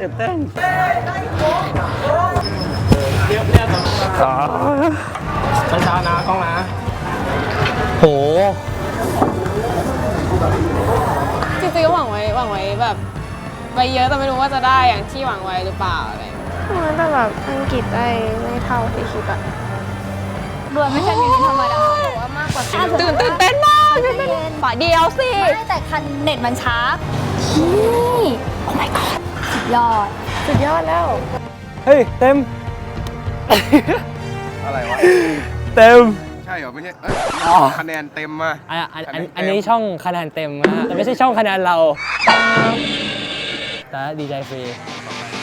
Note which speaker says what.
Speaker 1: ตื่นเต้นช้าๆนะกล้องนะโห
Speaker 2: จริงๆก็หวังไว้แบบไปเยอะแต่ไม่รู้ว่าจะได้อย่างที่หวังไว้หรือเปล่าอะไรแต่แบบอังกฤษได้ไม่เท่าที่คิดอะ
Speaker 3: รวยไม่ใช่มีธรรมดาหรือว่ามากกว่า
Speaker 2: ตื่นเต้นมากฝ่ายเดียวสิ
Speaker 3: ไม่แต่คันเน็ตมันช้านี่โอ้ my god สุดยอดแล้ว
Speaker 1: เฮ้ยเต็ม
Speaker 4: อะไรวะ
Speaker 1: เต็ม
Speaker 4: ใช่เหรอไม่ใช่คะแนนเต็มมา
Speaker 1: อันนี้ช่องคะแนนเต็มนะแต่ไม่ใช่ช่องคะแนนเราแต่ดีใจฟรี